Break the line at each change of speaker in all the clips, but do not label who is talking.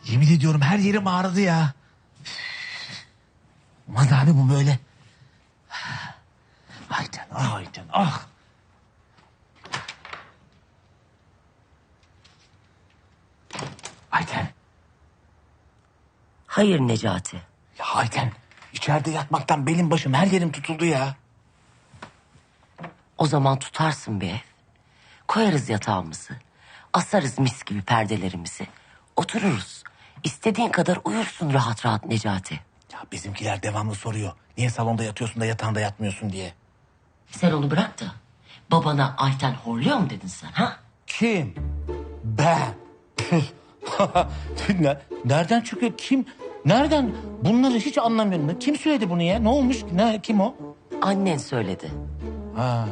Yemin ediyorum her yerim ağrıdı ya. Olmaz abi bu böyle. Ayten, ah Ayten, ah. Ayten.
Hayır Necati.
Ya Ayten, içeride yatmaktan belim başım her yerim tutuldu ya.
O zaman tutarsın bir ev. Koyarız yatağımızı. Asarız mis gibi perdelerimizi. Otururuz. İstediğin kadar uyursun rahat rahat Necati.
Ya bizimkiler devamlı soruyor. Niye salonda yatıyorsun da yatağında yatmıyorsun diye.
Sen onu bırak da babana Ayten horluyor mu dedin sen ha?
Kim? Ben. Nereden çıkıyor? Kim? Nereden? Bunları hiç anlamıyorum. Kim söyledi bunu ya? Ne olmuş? Kim o?
Annen söyledi.
Ha.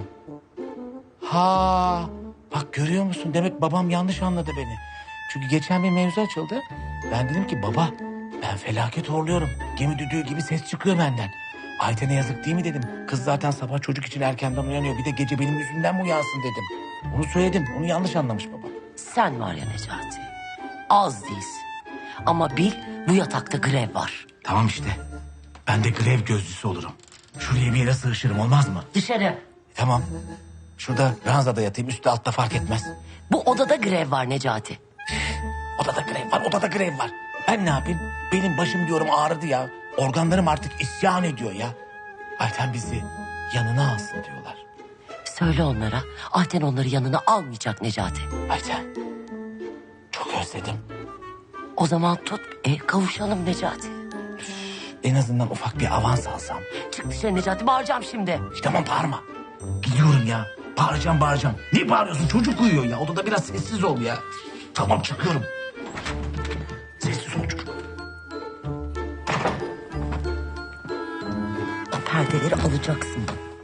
Ha. Bak görüyor musun? Demek babam yanlış anladı beni. Çünkü geçen bir mevzu açıldı. Ben dedim ki baba ben felaket horluyorum. Gemi düdüğü gibi ses çıkıyor benden. Ayten'e yazık değil mi dedim. Kız zaten sabah çocuk için erkenden uyanıyor. Bir de gece benim yüzümden mi uyansın dedim. Onu söyledim. Onu yanlış anlamış baba.
Sen var ya Necati. Az değilsin. Ama bil bu yatakta grev var.
Tamam işte. Ben de grev gözcüsü olurum. Şuraya bir yere sığışırım olmaz mı?
Dışarı.
Tamam. Şurada ranzada yatayım üstte altta fark etmez.
Bu odada grev var Necati.
Odada grev var, odada grev var. Ben ne yapayım? Benim başım diyorum ağrıdı ya. Organlarım artık isyan ediyor ya. Ayten bizi yanına alsın diyorlar.
Söyle onlara Ayten onları yanına almayacak Necati.
Ayten, çok özledim.
O zaman tut kavuşalım Necati.
En azından ufak bir avans alsam.
Çık dışarı Necati bağıracağım şimdi.
Tamam bağırma. Biliyorum ya. Bağıracağım. Ne bağırıyorsun? Çocuk uyuyor ya. Odada biraz sessiz ol ya. Tamam çıkıyorum. Sessiz ol çocuk.
O perdeleri alacaksın.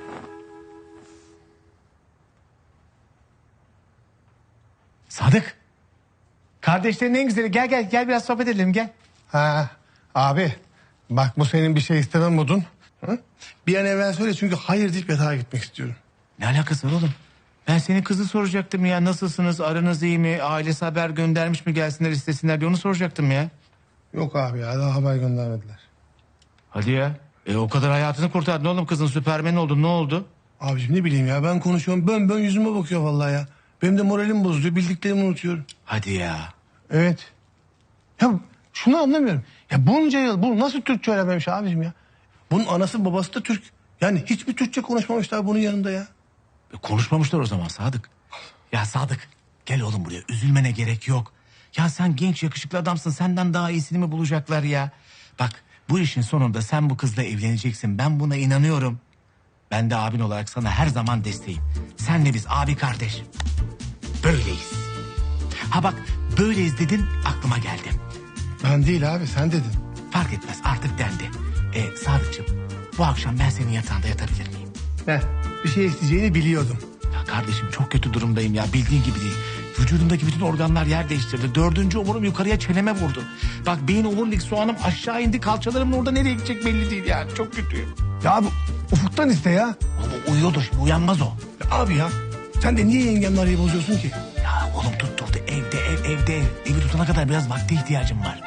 Sadık. Kardeşlerin en güzeli. Gel biraz sohbet edelim gel.
Ha abi bak bu senin bir şey istemem modun. Hı? Bir an evvel söyle çünkü hayır deyip yatağa gitmek istiyorum.
Ne alakası var oğlum? Ben senin kızı soracaktım ya. Nasılsınız? Aranız iyi mi? Ailesi haber göndermiş mi gelsinler istesinler diye onu soracaktım ya.
Yok abi ya daha haber göndermediler.
Hadi ya. O kadar hayatını kurtardın oğlum kızın süpermen oldun. Ne oldu?
Abiciğim ne bileyim ya ben konuşuyorum bön yüzüme bakıyor vallahi ya. Benim de moralim bozuluyor bildiklerimi unutuyorum.
Hadi ya.
Evet. Ya şunu anlamıyorum. Ya bunca yıl bu nasıl Türkçe öğrenmemiş abicim ya? Bunun anası babası da Türk. Yani hiçbir Türkçe konuşmamışlar bunun yanında ya.
Konuşmamışlar o zaman Sadık. Ya Sadık gel oğlum buraya. Üzülmene gerek yok. Ya sen genç yakışıklı adamsın. Senden daha iyisini mi bulacaklar ya? Bak bu işin sonunda sen bu kızla evleneceksin. Ben buna inanıyorum. Ben de abin olarak sana her zaman desteğim. Senle biz abi kardeş. Böyleyiz. Ha bak böyleyiz dedin aklıma geldi.
Ben değil abi sen dedin.
Fark etmez artık dendi. Sadıkçım bu akşam ben senin yatağında yatabilir miyim?
Heh, bir şey isteyeceğini biliyordum.
Ya kardeşim çok kötü durumdayım ya bildiğin gibi değil. Vücudumdaki bütün organlar yer değiştirdi. 4. omurum yukarıya çeneme vurdu. Bak beyin omurilik soğanım aşağı indi. Kalçalarımın orada nereye gidecek belli değil yani. Çok kötüyüm.
Ya abi ufuktan iste ya.
O uyuyordur şimdi uyanmaz o.
Ya abi ya sen de niye yengemle arayı bozuyorsun ki?
Ya oğlum tutturdu evde ev. Evi tutana kadar biraz vakte ihtiyacım var.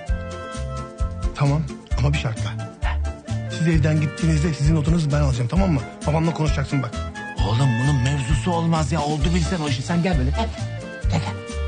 Tamam ama bir şartla. Siz evden gittiğinizde sizin odanızı ben alacağım tamam mı? Babamla konuşacaksın bak.
Oğlum bunun mevzusu olmaz ya. Oldu bilsen o işi. Sen gel böyle. Gel.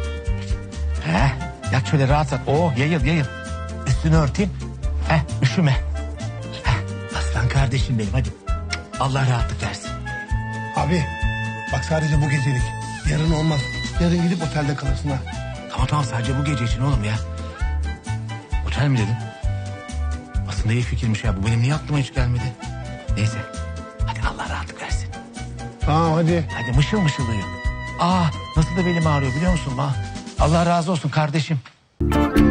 Yat şöyle rahat. Yayıl. Üstünü örteyim. Üşüme. Aslan kardeşim benim hadi. Allah rahatlık versin.
Abi bak sadece bu gecelik. Yarın olmaz. Yarın gidip otelde kalırsın ha.
Tamam sadece bu gece için oğlum ya. Otel mi dedin? Aslında iyi fikirmiş ya. Bu benim niye aklıma hiç gelmedi? Neyse. Hadi Allah rahatlık versin.
Tamam hadi.
Hadi mışıl uyu. Nasıl da belim ağrıyor biliyor musun? Allah razı olsun kardeşim.